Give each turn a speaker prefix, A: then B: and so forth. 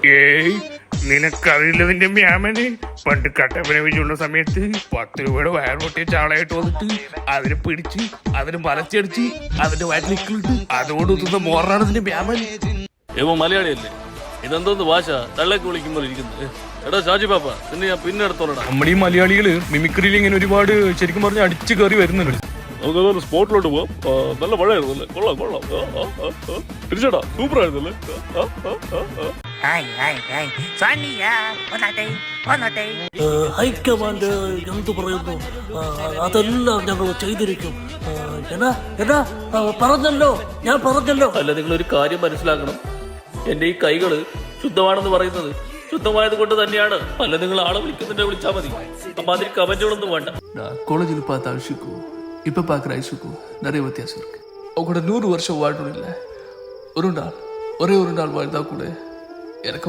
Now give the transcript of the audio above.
A: ഏയ് നിനക്കറിയില്ലതിന്റെ മ്യാമന് പണ്ട് കട്ടപ്പന വെച്ചുള്ള സമയത്ത് 10 രൂപയുടെ വയർ പൊട്ടിയ ചാളയായിട്ട് വന്നിട്ട് അതിനെ പിടിച്ച് അതിന് മലച്ചടിച്ച് അതിന്റെ വയറ്റിലിട്ട് അതോട് ഒത്തുന്ന മോറാണ് ഇതിന്റെ മ്യാമൻ.
B: ഏവോ മലയാളിയല്ലേ? ഇതെന്തോന്ന് ഭാഷ തള്ളേക്ക് വിളിക്കുമ്പോൾ ഇരിക്കുന്നത്? എടാ ഷാജി പാപ്പ, നിന്നെ ഞാൻ പിന്നെ എടുത്തോളടാ.
A: നമ്മുടെ ഈ മലയാളികള് മിമിക്രിയിൽ ഇങ്ങനെ ഒരുപാട് ശരിക്കും പറഞ്ഞ അടിച്ചു കയറി വരുന്നുണ്ട്.
B: നമുക്ക് സ്പോട്ടിലോട്ട് പോവാം. നല്ല മഴയായിരുന്നല്ലേ? കൊള്ളാം കൊള്ളാം. തിരിച്ചടാ, സൂപ്പർ ആയിരുന്നല്ലേ?
C: ഹൈക്കമാൻഡ് എന്തു പറയുന്നു അതെല്ലാം ഞങ്ങൾ ചെയ്തിരിക്കും. പറഞ്ഞല്ലോ, ഞാൻ പറഞ്ഞല്ലോ.
B: അല്ല, നിങ്ങളൊരു കാര്യം മനസ്സിലാക്കണം. എന്റെ ഈ കൈകള് ശുദ്ധമാണെന്ന് പറയുന്നത് ശുദ്ധമായത് കൊണ്ട് തന്നെയാണ്. അല്ല, നിങ്ങൾ ആളെ വിളിച്ചാൽ മതി. അപ്പൊ അതിൽ കമന്റുകളൊന്നും വേണ്ട.
D: காலேஜில் பார்த்த அழிச்சுக்கும் இப்போ பார்க்குற ஐஷுக்கும் நிறைய வித்தியாசம் இருக்கு. அவங்களோட 100 வருஷம் வாழணும் இல்லை, ஒரே ஒரு நாள் வாழ்ந்தா கூட எனக்கு